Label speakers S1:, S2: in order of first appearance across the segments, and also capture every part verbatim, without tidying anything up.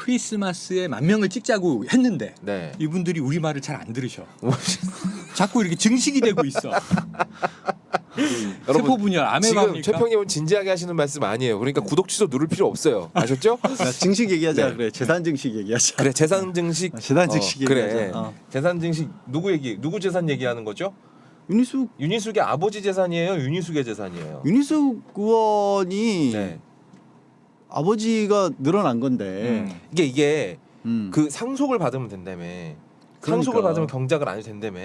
S1: 크리스마스에 만 명을 찍자고 했는데
S2: 네.
S1: 이분들이 우리 말을 잘 안 들으셔. 자꾸 이렇게 증식이 되고 있어.
S2: 여러분,
S1: 세포 분열,
S2: 지금
S1: 아메바입니까?
S2: 최평님은 진지하게 하시는 말씀 아니에요. 그러니까 구독 취소 누를 필요 없어요. 아셨죠?
S3: 야, 증식 얘기하자.
S2: 네.
S3: 그래. 재산 증식 얘기하자.
S2: 그래 재산 증식.
S3: 아, 재산 증식
S2: 어, 그래.
S3: 얘기하자. 어.
S2: 재산 증식 누구 얘기? 누구 재산 얘기하는 거죠?
S3: 윤희숙
S2: 윤희숙의 아버지 재산이에요. 윤희숙의 재산이에요.
S3: 윤희숙 의원이
S2: 네.
S3: 아버지가 늘어난 건데.
S1: 음.
S2: 이게 이게
S3: 음.
S2: 그 상속을 받으면 된다며.
S3: 그러니까.
S2: 상속을 받으면 경작을 안 해도 된다며.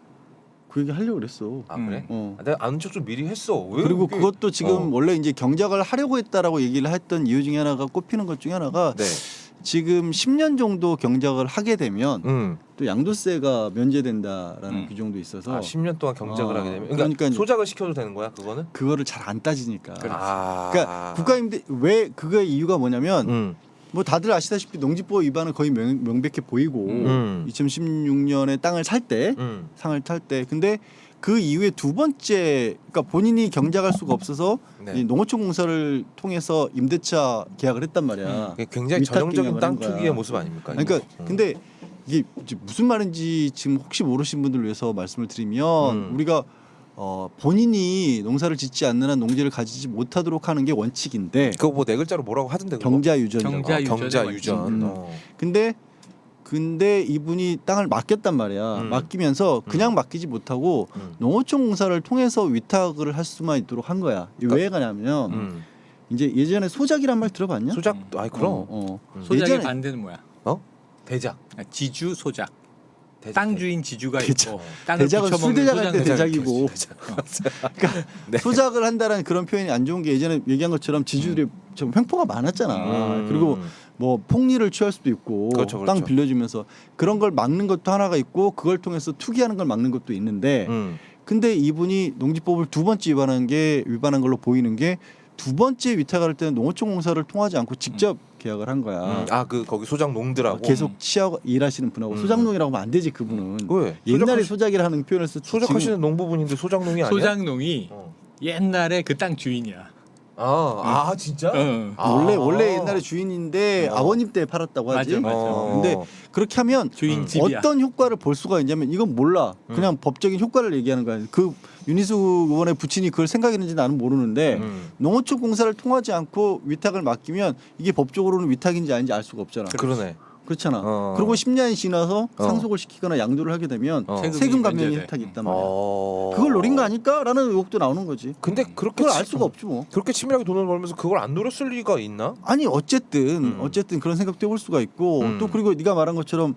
S3: 그 얘기 하려고 그랬어.
S2: 아 그래?
S3: 어.
S2: 아, 내가 아는 척 좀 미리 했어. 왜
S3: 그리고
S2: 그게-
S3: 그것도 지금
S2: 어.
S3: 원래 이제 경작을 하려고 했다라고 얘기를 했던 이유 중에 하나가 꼽히는 것 중에 하나가
S2: 네.
S3: 지금 십 년 정도 경작을 하게 되면
S2: 음.
S3: 또 양도세가 면제된다라는
S1: 음.
S3: 규정도 있어서
S2: 아 십 년 동안 경작을
S3: 어,
S2: 하게 되면 그러니까,
S3: 그러니까
S2: 소작을 시켜도 되는 거야 그거는?
S3: 그거를 잘 안 따지니까.
S2: 아.
S3: 그러니까 국가임대 왜 그거의 이유가 뭐냐면
S2: 음.
S3: 뭐 다들 아시다시피 농지법 위반은 거의 명, 명백해 보이고
S2: 음.
S3: 이천십육 년에 땅을 살 때
S2: 음.
S3: 상을 탈 때 근데 그 이후에 두 번째 그러니까 본인이 경작할 수가 없어서
S2: 네.
S3: 이 농어촌 공사를 통해서 임대차 계약을 했단 말이야.
S2: 그게 굉장히
S3: 위탁
S2: 전형적인
S3: 계약을
S2: 땅
S3: 한 거야.
S2: 투기의 모습 아닙니까?
S3: 그러니까
S2: 이거? 음.
S3: 근데 이게 이제 무슨 말인지 지금 혹시 모르신 분들 위해서 말씀을 드리면
S2: 음.
S3: 우리가 어, 본인이 농사를 짓지 않는 한 농지를 가지지 못하도록 하는 게 원칙인데
S2: 그거 뭐 네 글자로 뭐라고 하던데 그거?
S3: 경자유전이라고.
S1: 경자-
S2: 어, 경자 유전.
S3: 음.
S2: 어.
S3: 근데 근데 이분이 땅을 맡겼단 말이야.
S2: 음.
S3: 맡기면서 그냥 맡기지 못하고
S2: 음.
S3: 농어촌 공사를 통해서 위탁을 할 수만 있도록 한 거야. 이게 왜 가냐면
S2: 음.
S3: 이제 예전에 소작이란 말 들어봤냐?
S2: 소작.
S1: 음.
S2: 아이 그럼.
S3: 어, 어.
S2: 음.
S1: 소작의
S3: 예전에-
S1: 반대는 뭐야?
S2: 어? 대작.
S1: 아, 지주 소작.
S2: 대작.
S1: 땅 주인 지주가
S3: 대작.
S1: 있고 땅을
S3: 대작은
S1: 붙여먹는
S3: 술대작 할 때
S1: 소작은
S3: 대작이고. 그러니까
S2: 네.
S3: 소작을 한다라는 그런 표현이 안 좋은 게 예전에 얘기한 것처럼 지주들이 좀 횡포가 많았잖아.
S2: 음.
S3: 그리고 뭐 폭리를 취할 수도 있고
S2: 그렇죠,
S3: 땅
S2: 그렇죠.
S3: 빌려주면서 그런 걸 막는 것도 하나가 있고 그걸 통해서 투기하는 걸 막는 것도 있는데
S2: 음.
S3: 근데 이분이 농지법을 두 번째 위반한 게 위반한 걸로 보이는 게 두 번째 위탁할 때는 농어촌 공사를 통하지 않고 직접 계약을 한 거야.
S2: 음. 아그 거기 소작 농들하고.
S3: 계속 취하고 일하시는 분하고
S2: 음.
S3: 소작농이라고 하면 안 되지 그분은.
S2: 왜?
S3: 옛날에
S2: 소작하시-
S3: 소작이라는 표현을 썼지.
S2: 소작하시는 농부분인데 소작농이 아니야?
S1: 소작농이
S2: 어.
S1: 옛날에 그 땅 주인이야.
S2: 아, 아 진짜?
S1: 어.
S2: 아.
S3: 원래 원래 옛날에 주인인데
S2: 어.
S3: 아버님 때 팔았다고 하지.
S1: 맞아, 맞아.
S2: 어.
S3: 근데 그렇게 하면
S1: 주인
S2: 음.
S1: 집이야.
S3: 어떤 효과를 볼 수가 있냐면 이건 몰라. 그냥
S2: 음.
S3: 법적인 효과를 얘기하는 거야. 그 윤희숙 의원의 부친이 그걸 생각했는지 나는 모르는데
S2: 음.
S3: 농어촌 공사를 통하지 않고 위탁을 맡기면 이게 법적으로는 위탁인지 아닌지 알 수가 없잖아.
S2: 그러네.
S3: 그렇잖아.
S2: 어.
S3: 그리고 십 년이 지나서
S2: 어.
S3: 상속을 시키거나 양도를 하게 되면
S2: 어.
S1: 세금이
S3: 세금 감면이
S1: 면제돼.
S3: 혜택이 있단 말이야.
S2: 어.
S3: 그걸 노린 거 아닐까라는 의혹도 나오는 거지.
S2: 근데 그렇게
S3: 그걸 알
S2: 치-
S3: 수가 없지 뭐.
S2: 그렇게 치밀하게 돈을 벌면서 그걸 안 노렸을 리가 있나?
S3: 아니 어쨌든
S2: 음.
S3: 어쨌든 그런 생각도 해볼 수가 있고
S2: 음.
S3: 또 그리고 네가 말한 것처럼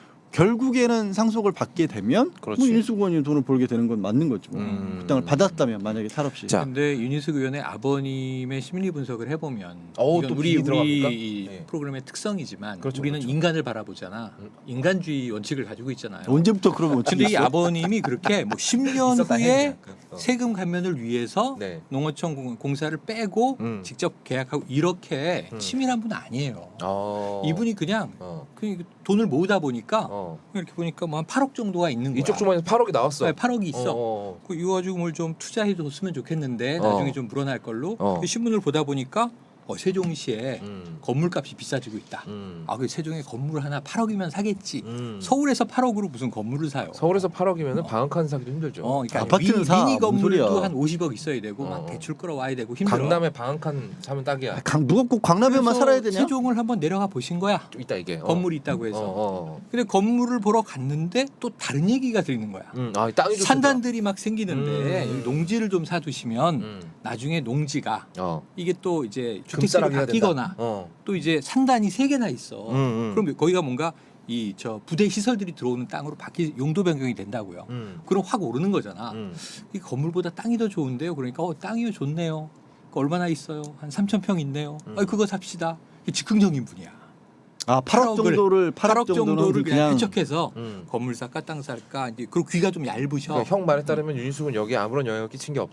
S3: 결국에는 상속을 받게 되면
S2: 그렇지.
S3: 뭐 윤희숙 의원이 돈을 벌게 되는 건 맞는 거죠. 뭐.
S2: 음.
S3: 그 땅을 받았다면 만약에 탈없이.
S2: 자.
S1: 근데 윤희숙 의원의 아버님의 심리 분석을 해보면
S2: 어,
S1: 이건
S2: 또
S1: 우리
S2: 비리 들어갑니까?
S1: 우리 이
S2: 네.
S1: 프로그램의 특성이지만
S2: 그렇죠,
S1: 우리는
S2: 그렇죠.
S1: 인간을 바라보잖아.
S2: 음.
S1: 인간주의 원칙을 가지고 있잖아요.
S3: 언제부터 그러면 어떻게
S1: 근데 이
S3: 있어?
S1: 아버님이 그렇게 뭐 십 년
S2: 있었다
S1: 후에
S2: 했냐? 어.
S1: 세금 감면을 위해서
S2: 네.
S1: 농어촌 공- 공사를 빼고
S2: 음.
S1: 직접 계약하고 이렇게
S2: 음.
S1: 치밀한 분은 아니에요.
S2: 어.
S1: 이분이 그냥
S2: 어.
S1: 그냥 돈을 모으다 보니까
S2: 어.
S1: 이렇게 보니까 뭐 한 팔억 정도가 있는 거야.
S2: 이쪽 주머니에서 팔억이 나왔어.
S1: 네, 팔억이 있어.
S2: 어, 어.
S1: 그 이거 가지고 뭘 좀 투자해줬으면 좋겠는데
S2: 어.
S1: 나중에 좀 불어날 걸로
S2: 어.
S1: 그 신문을 보다 보니까 어, 세종시에
S2: 음.
S1: 건물값이 비싸지고 있다.
S2: 음.
S1: 아, 그 세종에 건물 하나 팔억이면 사겠지.
S2: 음.
S1: 서울에서 팔억으로 무슨 건물을 사요?
S2: 서울에서 팔억이면 방한칸 사기도 힘들죠.
S1: 어, 그러니까
S3: 아파트는
S1: 미,
S3: 사.
S1: 미니
S3: 뭔
S1: 건물도
S3: 소리야.
S1: 한 오십억 있어야 되고
S2: 어.
S1: 막 대출 끌어와야 되고 힘들어.
S2: 강남에 방한칸 사면 딱이야.
S3: 아, 강, 누가 꼭 광남에만
S1: 그래서
S3: 살아야 되냐?
S1: 세종을 한번 내려가 보신 거야.
S2: 좀 있다 이게. 어.
S1: 건물이 있다고 해서.
S2: 어, 어.
S1: 근데 건물을 보러 갔는데 또 다른 얘기가 들리는 거야.
S2: 음. 아, 땅이 좀
S1: 산단들이 막 생기는데
S2: 음.
S1: 여기 농지를 좀 사두시면
S2: 크다. 음.
S1: 나중에 농지가
S2: 어.
S1: 이게 또 이제 주택지로
S2: 금싸라기 해야
S1: 바뀌거나
S2: 된다. 어.
S1: 또 이제 산단이 세 개나 있어.
S2: 음, 음.
S1: 그럼 거기가 뭔가 이 저 부대 시설들이 들어오는 땅으로 바뀌 용도 변경이 된다고요.
S2: 음.
S1: 그럼 확 오르는 거잖아.
S2: 음.
S1: 이 건물보다 땅이 더 좋은데요. 그러니까 어, 땅이 좋네요. 그 얼마나 있어요? 한 삼천 평 있네요.
S2: 음.
S1: 아, 그거 삽시다. 이게 즉흥적인 분이야.
S3: 아 팔억
S1: 팔억을-
S3: 정도를 팔억,
S1: 팔억
S3: 정도는
S1: 정도를 그냥
S3: 그냥
S1: 해척해서
S2: 음.
S1: 건물 살까 땅 살까 이제 그리고 귀가 좀 얇으셔.
S2: 그러니까 형 말에 따르면 윤희숙은 여기에 아무런 영향을 끼친 게 없다?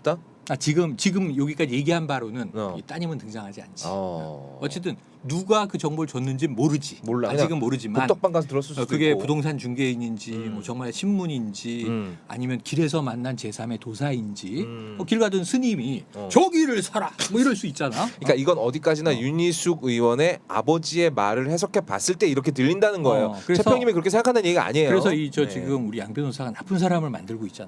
S1: 아, 지금 지금 여기까지 얘기한 바로는
S2: 어.
S1: 이 따님은 등장하지 않지.
S2: 어.
S1: 어쨌든 누가 그 정보를 줬는지 모르지.
S2: 몰라.
S1: 아직은
S2: 그냥
S1: 모르지만
S2: 복덕방 가서 들었을 수도
S1: 어, 그게
S2: 있고.
S1: 부동산 중개인인지
S2: 음.
S1: 뭐 정말 신문인지
S2: 음.
S1: 아니면 길에서 만난 제삼의 도사인지
S2: 음.
S1: 어, 길 가던 스님이
S2: 어.
S1: 저기를 사라 뭐 이럴 수 있잖아.
S2: 그러니까 이건 어디까지나
S1: 어.
S2: 윤희숙 의원의 아버지의 말을 해석해 봤을 때 이렇게 들린다는 거예요.
S1: 어, 그래서-
S2: 최평님이 그렇게 생각한다는 얘기가 아니에요.
S1: 그래서 이 저
S2: 네.
S1: 지금 우리 양 변호사가 나쁜 사람을 만들고 있잖아.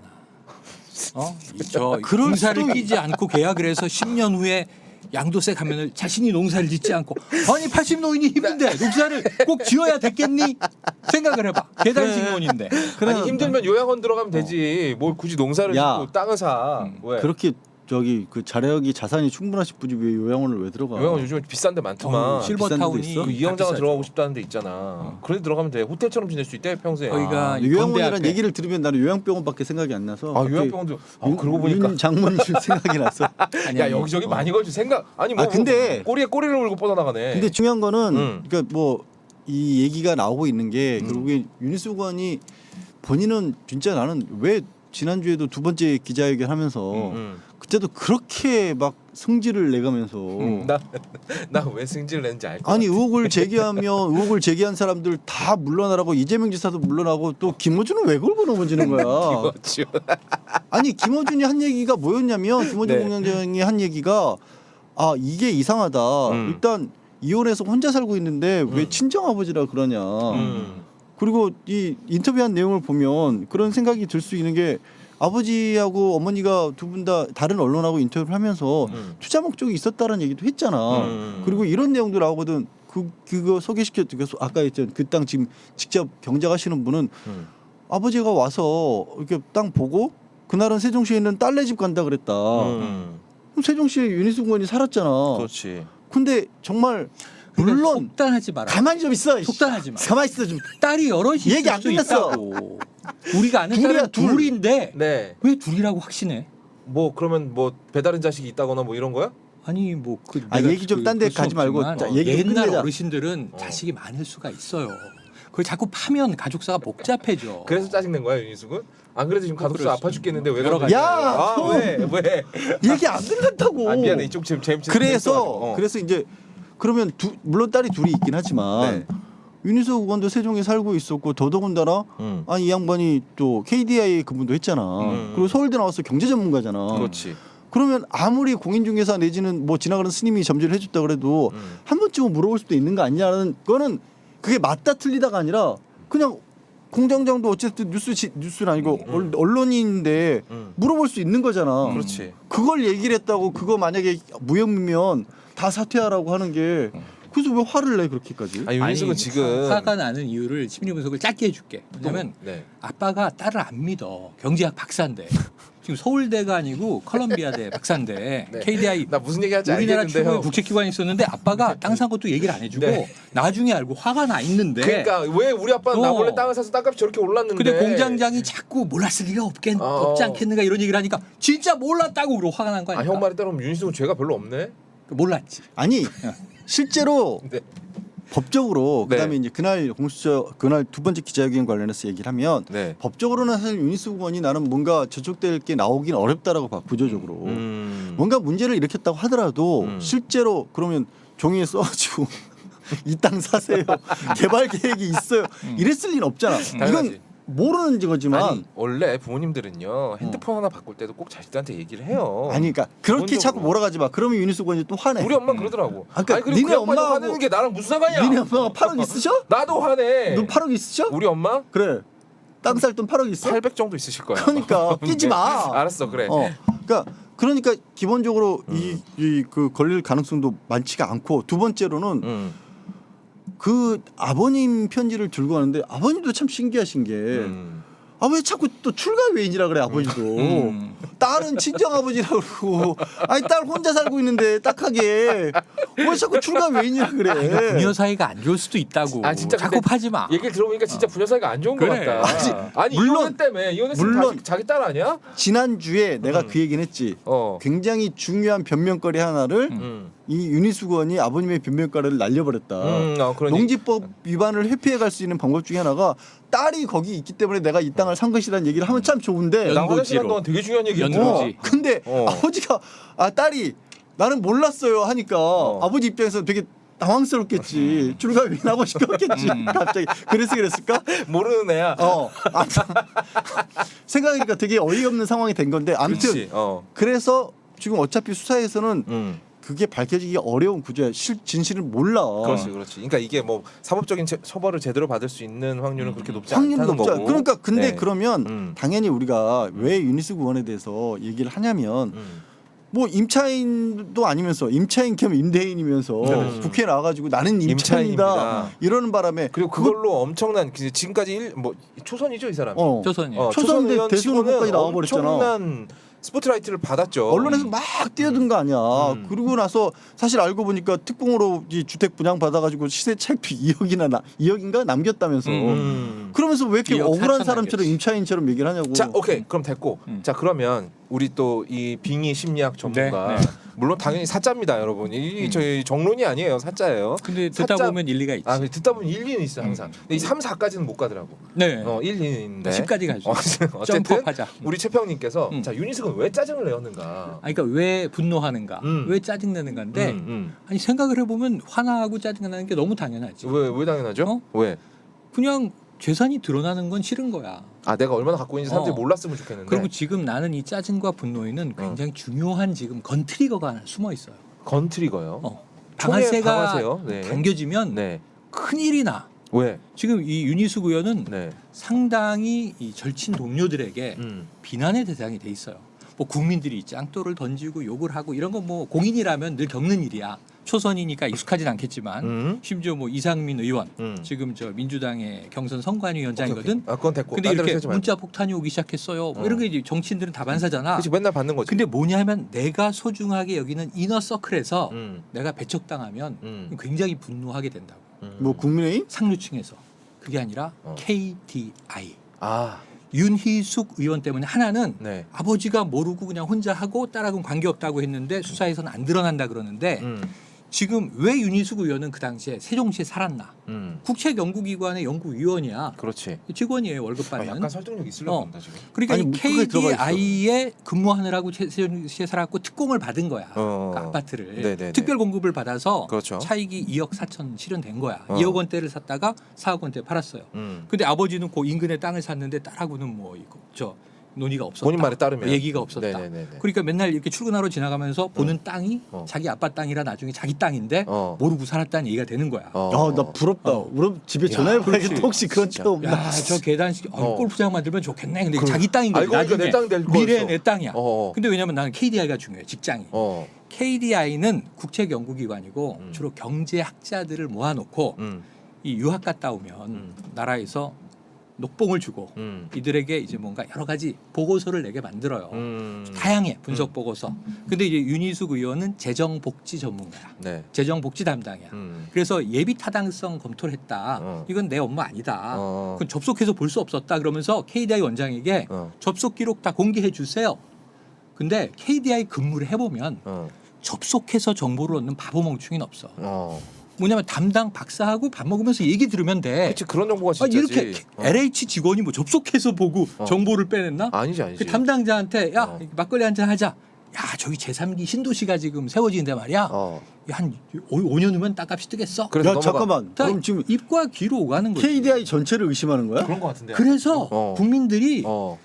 S1: 어? 이 저
S3: 그럴
S1: 농사를
S3: 수도
S1: 끼지 않고 계약을 해서 십 년 후에 양도세 가면을 자신이 농사를 짓지 않고 아니 팔십 노인이 힘든데 농사를 꼭 지어야 됐겠니? 생각을 해봐. 계단식론인데.
S2: 아니 힘들면 요양원 들어가면 되지. 뭘 굳이 농사를
S3: 야.
S2: 짓고 땅을 사.
S1: 음.
S2: 왜?
S3: 그렇게 저기 그 자력이 자산이 충분하신 분이 왜 요양원을 왜 들어가?
S2: 요양원 요즘에 비싼 데 많더만.
S1: 어,
S3: 실-
S1: 실버타운이
S3: 비싼 데도
S2: 그
S3: 있어?
S2: 이영자가
S1: 다
S2: 들어가고
S1: 비싸죠.
S2: 싶다는 데 있잖아. 그런 데 들어가면 돼. 호텔처럼 지낼 수 있대 평생.
S1: 거기가
S3: 아,
S1: 이
S3: 요양원이라는
S1: 건대 앞에.
S3: 얘기를 들으면 나는 요양병원밖에 생각이 안 나서.
S2: 아
S3: 갑자기
S2: 요양병원도. 아
S3: 윤-
S2: 그러고 보니까.
S3: 윤 장모님 생각이 났어.
S1: 아니,
S2: 야
S1: 아니,
S2: 여기저기
S1: 어.
S2: 많이 걸지 생각. 아니 뭐,
S3: 아, 근데-
S2: 뭐 꼬리에 꼬리를 물고 뻗어나가네.
S3: 근데 중요한 거는
S2: 음.
S3: 그러니까 뭐 이 얘기가 나오고 있는 게
S2: 음.
S3: 결국에 윤희숙 의원이 본인은 진짜 나는 왜 지난주에도 두 번째 기자회견 하면서
S2: 음.
S3: 그때도 그렇게 막 성질을 내가면서
S1: 음.
S2: 나나 왜 승질을 냈는지 알 거.
S3: 아니 의혹을 제기하면 의혹을 제기한 사람들 다 물러나라고 이재명 지사도 물러나고 또 김어준은 왜 걸고 넘어지는 거야?
S2: 이거죠.
S3: 아니 김어준이 한 얘기가 뭐였냐면 김어준
S2: 네.
S3: 공장장이 한 얘기가 아 이게 이상하다.
S2: 음.
S3: 일단 이혼해서 혼자 살고 있는데 왜
S2: 음.
S3: 친정 아버지라 그러냐.
S2: 음.
S3: 그리고 이 인터뷰한 내용을 보면 그런 생각이 들 수 있는 게 아버지하고 어머니가 두 분 다 다른 언론하고 인터뷰를 하면서
S2: 음.
S3: 투자 목적이 있었다는 얘기도 했잖아.
S2: 음.
S3: 그리고 이런 내용도 나오거든. 그 그거 소개시켜 그 소- 아까 했던 그 땅 지금 직접 경작하시는 분은
S2: 음.
S3: 아버지가 와서 이렇게 땅 보고 그날은 세종시에 있는 딸네 집 간다 그랬다.
S2: 음.
S3: 그럼 세종시에 윤희숙 의원이 살았잖아.
S2: 그렇지.
S3: 근데 정말 물론
S1: 속단하지 마라.
S3: 가만히 좀 있어. 이씨.
S1: 속단하지 마.
S3: 가만히 있어 좀.
S1: 딸이 여럿이 있을
S3: 얘기 안
S1: 수도
S3: 끝났어.
S1: 있다고. 우리가 아는
S3: 둘이야,
S1: 딸은
S3: 둘.
S1: 둘인데
S2: 네.
S1: 왜 둘이라고 확신해?
S2: 뭐 그러면 뭐 배다른 자식이 있다거나 뭐 이런 거야?
S1: 아니 뭐그
S3: 아, 얘기 좀 딴데 가지 말고 자, 얘기 좀
S1: 옛날
S3: 끝내자.
S1: 어르신들은
S2: 어.
S1: 자식이 많을 수가 있어요. 그걸 자꾸 파면 가족사가 복잡해져.
S2: 그래서 짜증낸 거야 윤희숙은? 안 그래도 지금 가족수
S1: 그럴
S2: 아파
S1: 수-
S2: 죽겠는데 왜
S1: 여러
S2: 그러는
S1: 가지.
S2: 거야?
S3: 야,
S2: 아,
S3: 좀.
S2: 왜? 왜?
S3: 얘기 안 들어간다고.
S2: 아 미안해 이쪽 지금 재밌
S3: 그래서
S2: 어.
S3: 그래서 이제 그러면 두, 물론 딸이 둘이 있긴 하지만
S2: 네.
S3: 윤희숙 의원도 세종에 살고 있었고 더더군다나
S2: 음.
S3: 아니 이 양반이 또 케이디아이 근무도 했잖아.
S2: 음.
S3: 그리고 서울대 나와서 경제 전문가잖아.
S2: 그렇지.
S3: 그러면 아무리 공인중개사 내지는 뭐 지나가는 스님이 점지를 해줬다 그래도
S2: 음.
S3: 한 번쯤은 물어볼 수도 있는 거 아니냐는 거는 그게 맞다 틀리다가 아니라 그냥 공장장도 어쨌든 뉴스 지, 뉴스는 아니고
S2: 음.
S3: 얼- 언론인인데
S2: 음.
S3: 물어볼 수 있는 거잖아.
S2: 그렇지.
S3: 그걸 얘기를 했다고 그거 만약에 무혐의면 다 사퇴하라고 하는 게 그래서 왜 화를 내 그렇게까지?
S2: 아니 윤희숙은 지금
S1: 화가 나는 이유를 심리 분석을 짧게 해줄게. 왜냐면
S2: 네.
S1: 아빠가 딸을 안 믿어. 경제학 박사인데 지금 서울대가 아니고 컬럼비아대 박사인데
S2: 네.
S1: 케이디아이
S2: 나 무슨 얘기하지
S1: 우리나라
S2: 알겠는데
S1: 최고의
S2: 형.
S1: 국제기관이 있었는데 아빠가 땅 산 것도 얘기를 안 해주고
S2: 네.
S1: 나중에 알고 화가 나 있는데
S2: 그러니까 왜 우리 아빠는 나
S1: 어.
S2: 몰래 땅을 사서 땅값이 저렇게 올랐는데
S1: 근데 공장장이 자꾸 몰랐을 리가 없겠,
S2: 어.
S1: 없지 않겠는가 이런 얘기를 하니까 진짜 몰랐다고 그러고 화가 난 거
S2: 아
S1: 아니야?
S2: 형 말에 따르면 윤희숙은 죄가 별로 없네.
S1: 몰랐지.
S3: 아니 실제로
S2: 네.
S3: 법적으로
S2: 네.
S3: 그다음에 이제 그날 공수처 그날 두 번째 기자회견 관련해서 얘기를 하면
S2: 네.
S3: 법적으로는 사실 윤희숙 의원이 나는 뭔가 저촉될 게 나오긴 어렵다라고 봐 구조적으로
S2: 음.
S3: 뭔가 문제를 일으켰다고 하더라도
S2: 음.
S3: 실제로 그러면 종이에 써가지고 이 땅 사세요 개발 계획이 있어요 이랬을 리는 없잖아
S2: 당연하지.
S3: 이건 모르는 거지만
S2: 아니 원래 부모님들은요 핸드폰 하나 바꿀 때도 꼭 자식들한테 얘기를 해요.
S3: 아니 그러니까 그렇게
S2: 기본적으로.
S3: 자꾸 몰아가지 마 그러면 윤희숙 의원이 또 화내
S2: 우리 엄마 그러더라고.
S3: 아까
S2: 아니 그리고
S3: 니네
S2: 그 엄마
S3: 엄마하고-
S2: 화내는 게 나랑 무슨 상관이야?
S3: 니네 엄마가 팔억 있으셔?
S2: 나도 화내.
S3: 너 팔억 있으셔?
S2: 우리 엄마
S3: 그래 땅 살 돈 팔억 있어?
S2: 팔백 정도 있으실 거야.
S3: 그러니까 끼지 마.
S2: 알았어 그래.
S3: 어, 그러니까 그러니까 기본적으로
S2: 음.
S3: 이 그 걸릴 가능성도 많지가 않고 두 번째로는
S2: 음.
S3: 그 아버님 편지를 들고 가는데 아버님도 참 신기하신 게
S2: 음.
S3: 아 왜 자꾸 또 출가 외인이라 그래 아버지도
S1: 음.
S3: 딸은 친정 아버지라 그러고 아니 딸 혼자 살고 있는데 딱하게 왜 자꾸 출가 외인이라 그래
S1: 부녀 사이가 안 좋을 수도 있다고.
S2: 아, 진짜
S1: 자꾸
S2: 근데
S1: 파지 마.
S2: 얘기를 들어보니까 진짜 부녀 사이가 안 좋은
S1: 그래.
S2: 것 같다. 아니,
S3: 물론-
S2: 이혼했 때문에 이혼했으면
S3: 물론-
S2: 자기, 자기 딸 아니야?
S3: 지난주에 내가
S2: 음.
S3: 그 얘기는 했지
S2: 어.
S3: 굉장히 중요한 변명거리 하나를
S1: 음.
S2: 음.
S3: 이 윤희숙 의원이 아버님의 변명거리를 날려버렸다
S2: 음. 어, 그러니.
S3: 농지법 위반을 회피해 갈 수 있는 방법 중에 하나가 딸이 거기 있기 때문에 내가 이 땅을 산 것이라는 얘기를 하면 참 좋은데
S2: 나 화장실
S1: 연고지로.
S2: 간 동안 되게 중요한 얘기
S1: 연루지.
S3: 어, 근데
S2: 어.
S3: 아버지가 아 딸이 나는 몰랐어요 하니까
S2: 어.
S3: 아버지 입장에서 되게 당황스럽겠지. 줄감이 아버지 껐겠지.
S1: 음.
S3: 갑자기 그래서 그랬을까?
S2: 모르는 애야.
S3: 어. 아무튼 생각하니까 되게 어이없는 상황이 된 건데 아무튼
S2: 그렇지. 어.
S3: 그래서 지금 어차피 수사에서는
S2: 음.
S3: 그게 밝혀지기 어려운 구조야. 실 진실을 몰라.
S2: 그렇지, 그렇지. 그러니까 이게 뭐 사법적인 처- 처벌을 제대로 받을 수 있는 확률은 그렇게 높지
S3: 확률이
S2: 않다는
S3: 높지 않-
S2: 거고.
S3: 그러니까 근데
S2: 네.
S3: 그러면
S2: 음.
S3: 당연히 우리가 왜 유니스 구원에 대해서 얘기를 하냐면
S2: 음.
S3: 뭐 임차인도 아니면서 임차인 겸 임대인이면서
S2: 음.
S3: 국회에 나와가지고 나는 임차인이다
S2: 임차인입니다.
S3: 이러는 바람에
S2: 그리고 그걸로 엄청난 그 지금까지 일, 뭐 초선이죠 이 사람.
S3: 어,
S1: 조선이.
S2: 어,
S3: 초선
S2: 초선 의원
S3: 대선
S2: 치고는
S3: 후보까지 나와버렸잖아.
S2: 엄청난 스포트라이트를 받았죠.
S3: 언론에서 막 뛰어든 거 아니야.
S2: 음.
S3: 그러고 나서 사실 알고 보니까 특공으로 이 주택 분양 받아가지고 시세 차익도 이억이나 나 이억인가 남겼다면서.
S2: 음.
S3: 그러면서 왜 이렇게
S1: 이억
S3: 억울한
S1: 사천
S3: 사람처럼
S1: 남겼지.
S3: 임차인처럼 얘기를 하냐고.
S2: 자, 오케이. 그럼 됐고.
S1: 음.
S2: 자, 그러면 우리 또 이 빙의 심리학 전문가
S1: 네, 네.
S2: 물론 당연히 사자입니다, 여러분. 이
S1: 음.
S2: 저희 정론이 아니에요. 사자예요.
S1: 근데 듣다
S2: 사자-
S1: 보면 일리가 있지.
S2: 아, 근데 듣다 보면 일리는 있어 항상. 근데 이 삼, 사까지는 못 가더라고.
S1: 네.
S2: 어, 일, 이는 있는데.
S1: 십까지 가죠.
S2: 어, 어쨌든
S1: 점프업하자.
S2: 우리 최평님께서
S1: 음.
S2: 자, 유니스는 왜 짜증을 내었는가?
S1: 아니, 그러니까 왜 분노하는가,
S2: 음.
S1: 왜 짜증내는가인데
S2: 음, 음.
S1: 아니 생각을 해보면 화나고 짜증나는 게 너무 당연하지.
S2: 왜, 왜 당연하죠?
S1: 어?
S2: 왜?
S1: 그냥 재산이 드러나는 건 싫은 거야.
S2: 아, 내가 얼마나 갖고 있는지 사람들이
S1: 어.
S2: 몰랐으면 좋겠는데.
S1: 그리고 지금 나는 이 짜증과 분노에는 굉장히 중요한 지금 건트리거가 하나 숨어 있어요.
S2: 건트리거요.
S1: 어.
S2: 총에
S1: 방아쇠가
S2: 방아쇠요? 네.
S1: 당겨지면
S2: 네.
S1: 큰일이 나.
S2: 왜?
S1: 지금 이 윤희숙 의원은
S2: 네.
S1: 상당히 이 절친 동료들에게
S2: 음.
S1: 비난의 대상이 돼 있어요. 뭐 국민들이 짱돌을 던지고 욕을 하고 이런 건 뭐 공인이라면 늘 겪는 일이야. 초선이니까 익숙하진 않겠지만
S2: 음.
S1: 심지어 뭐 이상민 의원
S2: 음.
S1: 지금 저 민주당의 경선 선관위원장이거든.
S2: 오케이, 오케이. 아, 그건 됐고.
S1: 근데
S2: 딴 데로
S1: 이렇게
S2: 세지 말고.
S1: 문자 폭탄이 오기 시작했어요. 뭐
S2: 어.
S1: 이런 게 이제 정치인들은 다반사잖아.
S2: 그치, 맨날 받는 거지.
S1: 근데 뭐냐면 내가 소중하게 여기는 이너 서클에서
S2: 음.
S1: 내가 배척당하면
S2: 음.
S1: 굉장히 분노하게 된다고.
S2: 음.
S3: 뭐 국민의힘?
S1: 상류층에서. 그게 아니라
S2: 어.
S1: 케이디아이.
S2: 아,
S1: 윤희숙 의원 때문에 하나는
S2: 네.
S1: 아버지가 모르고 그냥 혼자 하고 딸하고는 관계없다고 했는데 수사에서는 안 드러난다 그러는데
S2: 음.
S1: 지금 왜 윤희숙 의원은 그 당시에 세종시에 살았나?
S2: 음.
S1: 국책연구기관의 연구위원이야.
S2: 그렇지.
S1: 직원이에요. 월급
S2: 아,
S1: 받는.
S2: 약간 설득력 있으려고
S1: 어.
S2: 한다 지금.
S1: 그러니까
S3: 아니,
S1: 이
S3: 뭐 그게 들어가 있어.
S1: 케이디아이에 근무하느라고 세- 세종시에 살았고 특공을 받은 거야.
S2: 어.
S1: 그 아파트를.
S2: 네네네.
S1: 특별 공급을 받아서
S2: 그렇죠.
S1: 차익이 이억 사천 실현된 거야.
S2: 어.
S1: 이억 원대를 샀다가 사억 원대 팔았어요.
S2: 음.
S1: 근데 아버지는 그 인근에 땅을 샀는데 딸하고는 뭐 이거 저 논의가 없었다.
S2: 본인 말에 따르면
S1: 얘기가 없었다.
S2: 네네네네.
S1: 그러니까 맨날 이렇게 출근하러 지나가면서 보는 땅이
S2: 어.
S1: 자기 아빠 땅이라 나중에 자기 땅인데
S2: 어.
S1: 모르고 살았다는 얘기가 되는 거야.
S2: 어.
S3: 아, 나 부럽다.
S1: 어.
S3: 우리 집에
S2: 야,
S3: 전화해봐야겠다.
S1: 그렇지.
S3: 혹시 그런
S2: 진짜.
S3: 차 없나?
S1: 야, 저 계단식 어,
S2: 어.
S1: 골프장 만들면 좋겠네. 근데
S2: 그럼.
S1: 자기 땅인 거지.
S2: 알고 보니까
S1: 나중에
S2: 내 땅 될
S1: 미래
S2: 거였어.
S1: 내 땅이야.
S2: 어.
S1: 근데 왜냐면 나는 케이디아이가 중요해. 직장이.
S2: 어.
S1: 케이디아이는 국책연구기관이고
S2: 음.
S1: 주로 경제학자들을 모아놓고
S2: 음.
S1: 이 유학 갔다 오면
S2: 음.
S1: 나라에서 녹봉을 주고
S2: 음.
S1: 이들에게 이제 뭔가 여러 가지 보고서를 내게 만들어요.
S2: 음.
S1: 다양해 분석 보고서. 근데 이제 윤희숙 의원은 재정복지 전문가야.
S2: 네.
S1: 재정복지 담당이야.
S2: 음.
S1: 그래서 예비 타당성 검토를 했다.
S2: 어.
S1: 이건 내 업무 아니다.
S2: 어.
S1: 그건 접속해서 볼 수 없었다. 그러면서 케이디아이 원장에게
S2: 어.
S1: 접속 기록 다 공개해 주세요. 근데 케이디아이 근무를 해보면
S2: 어.
S1: 접속해서 정보를 얻는 바보 멍충이는 없어.
S2: 어.
S1: 뭐냐면 담당 박사하고 밥 먹으면서 얘기 들으면 돼.
S2: 그치, 그런 정보가
S1: 아,
S2: 진짜지.
S1: 이렇게
S2: 어.
S1: 엘에이치 직원이 뭐 접속해서 보고
S2: 어.
S1: 정보를 빼냈나?
S2: 아니지 아니지.
S1: 그 담당자한테 야
S2: 어.
S1: 막걸리 한잔 하자. 야 저기 제삼 기 신도시가 지금 세워지는데 말이야.
S2: 어.
S1: 한 오 년 후면 땅값이 뜨겠어.
S2: 그래서
S3: 야
S2: 넘어가.
S3: 잠깐만.
S1: 다
S3: 그럼 지금
S1: 입과 귀로 오가는 거지.
S3: 케이디아이 전체를 의심하는 거야?
S2: 그런 거 같은데.
S1: 그래서
S2: 어.
S1: 국민들이
S2: 어.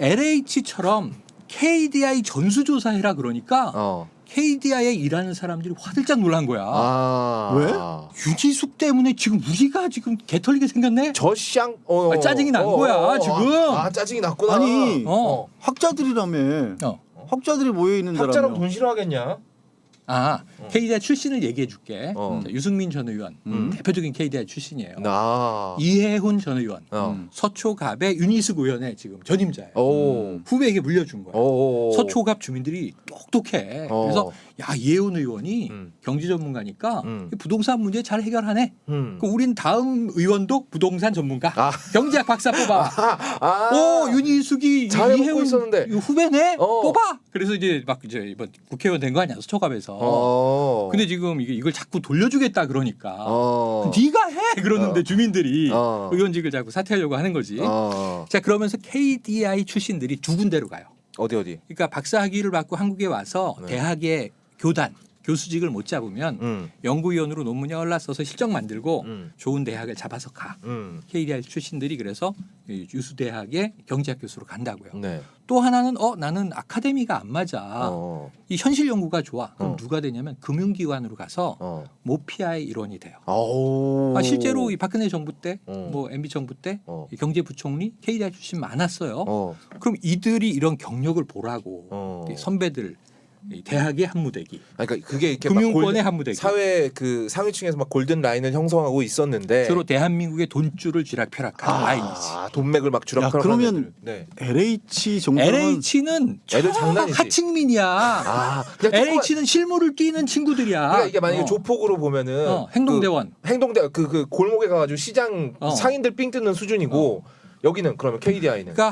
S1: 엘에이치처럼 케이디아이 전수조사해라 그러니까
S2: 어.
S1: 케이디아이에 일하는 사람들이 화들짝 놀란 거야.
S2: 아.
S3: 왜?
S1: 유지숙 때문에 지금 우리가 지금 개털리게 생겼네.
S2: 저쌍 어.
S1: 아, 짜증이 난 거야, 지금.
S2: 아, 아, 짜증이 났구나.
S3: 아니,
S1: 어.
S3: 학자들이라며.
S1: 어.
S3: 학자들이 모여 있는
S2: 학자라고
S3: 데라며.
S2: 돈 싫어하겠냐?
S1: 아
S2: 어.
S1: 케이디아이 출신을 얘기해 줄게.
S2: 어.
S1: 자, 유승민 전 의원
S3: 음.
S1: 대표적인 케이디아이 출신이에요.
S2: 나.
S1: 이해훈 전 의원
S2: 어.
S3: 음.
S1: 서초갑의 윤희숙 의원의 지금 전임자예요.
S2: 오.
S1: 후배에게 물려준 거야.
S2: 오.
S1: 서초갑 주민들이 똑똑해.
S2: 어.
S1: 그래서 야 이해훈 의원이
S2: 음.
S1: 경제 전문가니까
S2: 음.
S1: 부동산 문제 잘 해결하네.
S2: 음.
S1: 그 우린 다음 의원도 부동산 전문가.
S2: 아.
S1: 경제학 박사 뽑아.
S2: 아.
S1: 오 윤희숙이
S2: 잘
S1: 이해훈
S2: 먹고 있었는데.
S1: 후배네.
S2: 어.
S1: 뽑아. 그래서 이제 막 이제 이번 국회의원 된 거 아니야 서초갑에서.
S2: 어.
S1: 근데 지금 이게 이걸 자꾸 돌려주겠다 그러니까.
S2: 어.
S1: 네가 해 그러는데
S2: 어.
S1: 주민들이
S2: 어.
S1: 의원직을 자꾸 사퇴하려고 하는 거지.
S2: 어.
S1: 자 그러면서 케이디아이 출신들이 두 군데로 가요.
S2: 어디 어디.
S1: 그러니까 박사 학위를 받고 한국에 와서
S2: 네.
S1: 대학의 교단 교수직을 못 잡으면
S2: 음.
S1: 연구위원으로 논문에 올라서서 실적 만들고
S2: 음.
S1: 좋은 대학을 잡아서 가.
S2: 음.
S1: 케이디아이 출신들이 그래서 이 유수 대학의 경제학 교수로 간다고요.
S2: 네.
S1: 또 하나는 어 나는 아카데미가 안 맞아.
S2: 어.
S1: 이 현실 연구가 좋아. 그럼
S2: 어.
S1: 누가 되냐면 금융기관으로 가서
S2: 어.
S1: 모피아의 일원이 돼요.
S2: 오.
S1: 아, 실제로 이 박근혜 정부 때,
S2: 어.
S1: 뭐 엠비 정부 때
S2: 어.
S1: 이 경제부총리 케이디아이 출신 많았어요.
S2: 어.
S1: 그럼 이들이 이런 경력을 보라고
S2: 어.
S1: 이 선배들 이 대학의 한무대기,
S2: 아니, 그러니까 그게 이렇게 막
S1: 금융권의
S2: 골든-
S1: 한무대기.
S2: 사회 그 상위층에서 막 골든 라인을 형성하고 있었는데
S1: 주로 대한민국의 돈줄을 쥐락펴락하는 라인이지.
S2: 아, 돈맥을 막
S3: 야,
S2: 주락펴락.
S3: 그러면
S2: 네.
S3: 엘에이치 정도면
S1: 엘에이치는
S2: 애들 장난이지.
S1: 하층민이야.
S2: 아, 그냥 조그만-
S1: 엘에이치는 실무를 뛰는 친구들이야.
S2: 그러니까 이게 만약에
S1: 어.
S2: 조폭으로 보면은
S1: 어, 행동대원.
S2: 그 행동대 그, 그 골목에 가가지고 시장
S1: 어.
S2: 상인들 삥 뜯는 수준이고 여기는 그러면 케이디아이는
S1: 그러니까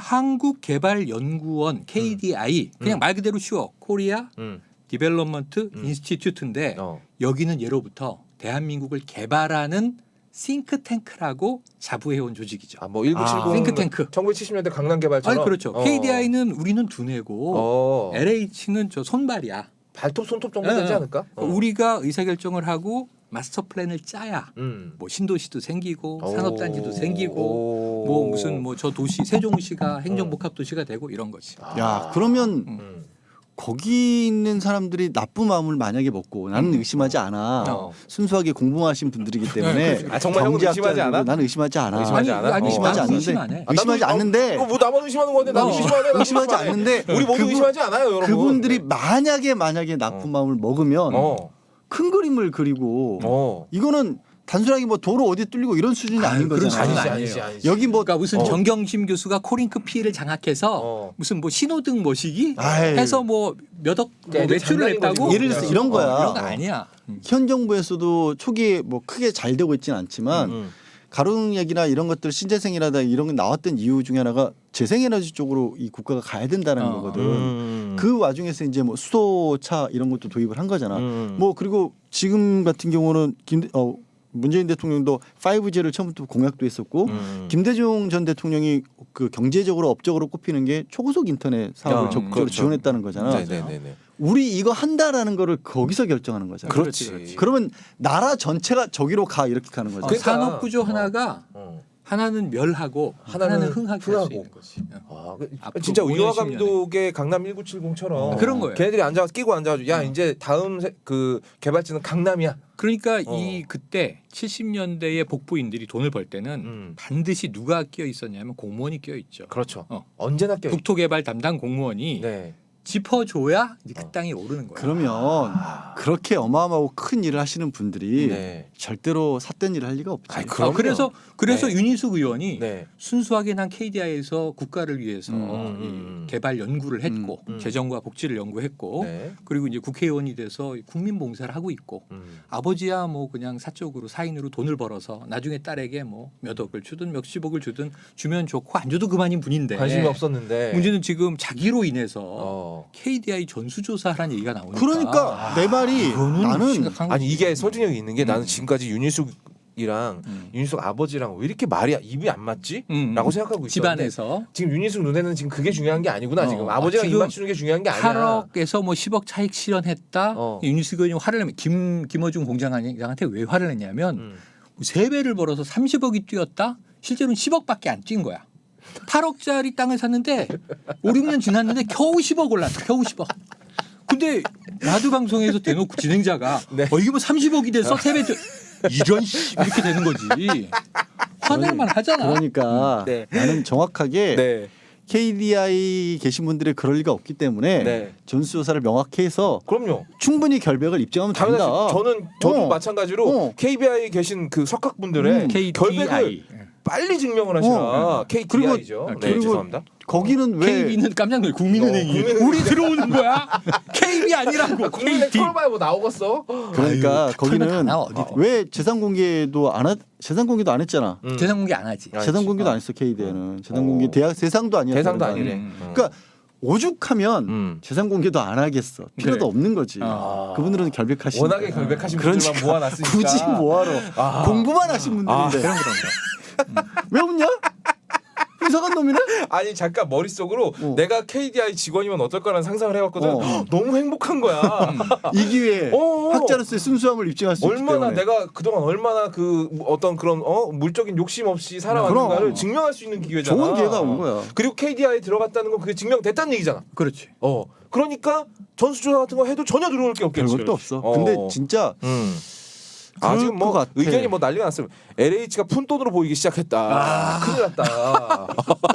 S1: 한국개발연구원 케이디아이 그냥
S2: 음.
S1: 말 그대로 쉬워. 코리아
S2: 음.
S1: 디벨롭먼트
S2: 음.
S1: 인스티튜트인데
S2: 어.
S1: 여기는 예로부터 대한민국을 개발하는 싱크탱크라고 자부해온 조직이죠.
S2: 아, 뭐 일구칠공
S1: 아, 싱크탱크.
S2: 천구백칠십 년대 강남 개발처럼.
S1: 아니 그렇죠.
S2: 어.
S1: 케이디아이는 우리는 두뇌고
S2: 어.
S1: 엘에이치는 저 손발이야.
S2: 발톱 손톱 정도
S1: 예,
S2: 되지
S1: 예.
S2: 않을까? 어.
S1: 우리가 의사결정을 하고 마스터 플랜을 짜야
S2: 음.
S1: 뭐 신도시도 생기고
S2: 오.
S1: 산업단지도 생기고
S2: 오.
S1: 뭐 무슨 뭐 저 도시 세종시가 행정복합도시가 되고 이런 거지.
S3: 야 그러면
S2: 음.
S3: 거기 있는 사람들이 나쁜 마음을 만약에 먹고 나는 의심하지 않아.
S2: 어.
S3: 순수하게 공부하신 분들이기 때문에
S1: 네,
S2: 아, 정말 형은 의심하지
S3: 경제학자들이고
S2: 않아?
S3: 나는 의심하지 않아.
S2: 의심하지
S1: 아니,
S2: 않아?
S1: 아니,
S2: 어.
S3: 의심하지
S1: 나도
S3: 않는데
S1: 의심 안 해.
S2: 아,
S3: 의심하지
S2: 나도-
S3: 않는데
S2: 이거 뭐 나만 의심하는 건데 나도
S1: 어.
S2: 의심 안 해. 나도
S3: 의심하지
S2: 의심 안 해.
S3: 않는데
S2: 우리 모두
S3: 그분-
S2: 의심하지 않아요, 여러분.
S3: 그분들이
S2: 네.
S3: 만약에 만약에 나쁜
S2: 어.
S3: 마음을 먹으면
S2: 어.
S3: 큰 그림을 그리고
S2: 어.
S3: 이거는 단순하게 뭐 도로 어디 뚫리고 이런 수준이
S1: 아유,
S3: 아닌
S1: 그런
S3: 거잖아.
S1: 수준이
S2: 아니지,
S1: 아니에요.
S2: 아니지, 아니지.
S3: 여기 뭐
S1: 그러니까 무슨
S2: 어.
S1: 정경심 교수가 코링크 피해를 장악해서
S2: 어.
S1: 무슨 뭐 신호등 모시기
S3: 아이.
S1: 해서 뭐 몇억 뭐
S2: 애들
S1: 매출을
S2: 장난인 거지,
S1: 냈다고
S2: 뭐.
S3: 예를 들어서 이런 거야.
S1: 어, 이런 거 아니야. 음.
S3: 현 정부에서도 초기에 뭐 크게 잘 되고 있지는 않지만
S2: 음.
S3: 가령 얘기나 이런 것들 신재생이라다 이런 게 나왔던 이유 중에 하나가 재생에너지 쪽으로 이 국가가 가야 된다는
S1: 어.
S3: 거거든.
S2: 음.
S3: 그 와중에서 이제 뭐 수소차 이런 것도 도입을 한 거잖아.
S2: 음.
S3: 뭐 그리고 지금 같은 경우는 김 어, 문재인 대통령도 파이브지를 처음부터 공약도 했었고
S2: 음.
S3: 김대중 전 대통령이 그 경제적으로 업적으로 꼽히는 게 초고속 인터넷 사업을
S2: 아,
S3: 적극적으로
S2: 그렇죠.
S3: 지원했다는 거잖아.
S2: 네네네네.
S3: 우리 이거 한다라는 거를 거기서 결정하는 거잖아.
S2: 그렇지.
S1: 그렇지.
S3: 그러면 나라 전체가 저기로 가 이렇게 가는 거죠.
S1: 어,
S2: 그러니까.
S1: 산업 구조 하나가
S2: 어.
S1: 하나는 멸하고
S2: 하나는
S1: 하나는, 흥하게 할 수
S2: 흥하고.
S1: 있는 거지. 어.
S2: 아, 그,
S1: 앞으로
S2: 진짜
S1: 오 년,
S2: 우리와
S1: 십 년에.
S2: 감독의 강남 천구백칠십처럼
S1: 그런 거예요.
S2: 걔네들이 앉아 끼고 앉아가지고 야 이제 다음 세, 그 개발지는 강남이야.
S1: 그러니까
S2: 어.
S1: 이 그때 칠십 년대의 복부인들이 돈을 벌 때는
S2: 음.
S1: 반드시 누가 끼어 있었냐면 공무원이 끼어 있죠.
S2: 그렇죠.
S1: 어.
S2: 언제나 껴.
S1: 국토개발 담당 공무원이
S2: 네.
S1: 짚어줘야 이제 그
S2: 어.
S1: 땅이 오르는 거야.
S3: 그러면 그렇게 어마어마하고 큰 일을 하시는 분들이
S2: 네.
S3: 절대로 삿된 일을 할 리가 없지.
S2: 아이,
S1: 아,
S2: 그럼요.
S1: 그래서 그래서
S2: 네.
S1: 윤희숙 의원이
S2: 네.
S1: 순수하게 난 케이디아이에서 국가를 위해서
S3: 음,
S2: 음,
S1: 이
S2: 음.
S1: 개발 연구를 했고
S2: 음, 음.
S1: 재정과 복지를 연구했고
S2: 네.
S1: 그리고 이제 국회의원이 돼서 국민 봉사를 하고 있고
S2: 음.
S1: 아버지야 뭐 그냥 사적으로 사인으로 돈을 벌어서 나중에 딸에게 뭐 몇 억을 주든 몇십억을 주든 주면 좋고 안 줘도 그만인 분인데
S2: 관심이 없었는데.
S1: 문제는 지금 자기로 인해서
S2: 어.
S1: 케이디아이 전수조사하라는 얘기가 나오니까
S3: 그러니까 내 말이
S1: 이거는
S3: 나는
S1: 심각한
S2: 아니
S1: 거지.
S2: 이게 설득력이 있는 게
S1: 음.
S2: 나는 지금까지 윤희숙이랑
S1: 음.
S2: 윤희숙 아버지랑 왜 이렇게 말이 입이 안 맞지?
S1: 음.
S2: 라고 생각하고 있었는데
S1: 집안에서
S2: 지금 윤희숙 눈에는 지금 그게 중요한 게 아니구나.
S1: 어.
S2: 지금
S1: 아,
S2: 아버지랑 입
S1: 지금
S2: 맞추는 게 중요한 게 아니야.
S1: 팔억에서 뭐 십억 차익 실현했다.
S2: 어.
S1: 윤희숙 의원이 화를 내면 김 김어준 공장장한테 왜 화를 냈냐면
S2: 음.
S1: 세 배를 벌어서 삼십억이 뛰었다. 실제로는 십억밖에 안 뛴 거야. 팔억짜리 땅을 샀는데 오, 육 년 지났는데 겨우 십억 올랐어. 겨우 십억. 근데 라디오 방송에서 대놓고 진행자가
S2: 네.
S1: 어 이게 뭐 삼십억이 됐어? 세 배. 이런 씨 이렇게 되는 거지. 화낼만 하잖아.
S3: 그러니까
S2: 네.
S3: 나는 정확하게
S2: 네.
S3: 케이디아이 계신 분들이 그럴 리가 없기 때문에
S2: 네.
S3: 전수조사를 명확히 해서
S2: 그럼요.
S3: 충분히 결백을 입증하면 된다.
S2: 당연하지. 저는 저도
S3: 어.
S2: 마찬가지로
S3: 어.
S2: 케이비아이에 계신 그 석학분들의
S3: 음.
S2: 결백을
S1: 케이디아이.
S2: 빨리 증명을 하시라.
S3: 어.
S2: 케이디아이죠.
S1: 그리고-
S2: 네,
S3: 그리고
S2: 죄송합니다.
S3: 거기는 왜
S1: 케이비는 깜짝 놀래. 국민은행이
S2: 어, 국민은행.
S1: 우리 들어오는 거야. 케이비 아니라고.
S2: 국민의
S1: 케이디.
S2: 털어봐야 뭐 나오겠어.
S3: 그러니까
S1: 아유,
S3: 거기는
S1: 털면 다 나와, 어디든.
S3: 왜 재산 공개도 안 하, 재산 공개도 안 했잖아.
S2: 음.
S1: 재산 공개 안 하지.
S2: 아,
S3: 재산 공개도
S1: 어.
S3: 안 했어 케이디아이는. 재산 공개
S2: 어.
S3: 대학 세상도 아니었어.
S2: 대상도 아니래.
S1: 음.
S2: 어.
S3: 그러니까 오죽하면
S2: 음.
S3: 재산 공개도 안 하겠어. 필요도
S1: 그래.
S3: 없는 거지.
S1: 아.
S3: 그분들은 결백하시니까.
S2: 워낙에 결백하신
S3: 그러니까
S2: 분들만 모아놨으니까
S3: 굳이 뭐하러
S2: 아.
S3: 공부만 하신 분들인데
S2: 아.
S3: 왜 웃냐? 이상한 놈이네.
S2: 아니 잠깐 머릿속으로
S3: 어.
S2: 내가 케이디아이 직원이면 어떨까라는 상상을 해봤거든.
S3: 어.
S2: 헉, 너무 행복한 거야.
S3: 이 기회에
S2: 어.
S3: 학자로서의 순수함을 입증할 수 있기
S2: 얼마나
S3: 때문에.
S2: 내가 그동안 얼마나 그 어떤 그런 어 물적인 욕심 없이 살아왔는가를
S3: 그럼.
S2: 증명할 수 있는 기회잖아.
S3: 좋은 기회가 온 거야.
S2: 그리고 케이디아이에 들어갔다는 건 그게 증명됐다는 얘기잖아.
S1: 그렇지.
S2: 어. 그러니까 전수조사 같은 거 해도 전혀 들어올 게 없겠지.
S3: 별것도 없어.
S2: 어.
S3: 근데 진짜
S2: 음. 아
S3: 그럴
S2: 지금 뭐
S3: 것 같아.
S2: 의견이 뭐 난리가 났어요. 엘에이치가 푼돈으로 보이기 시작했다.
S3: 아.
S2: 큰일 났다.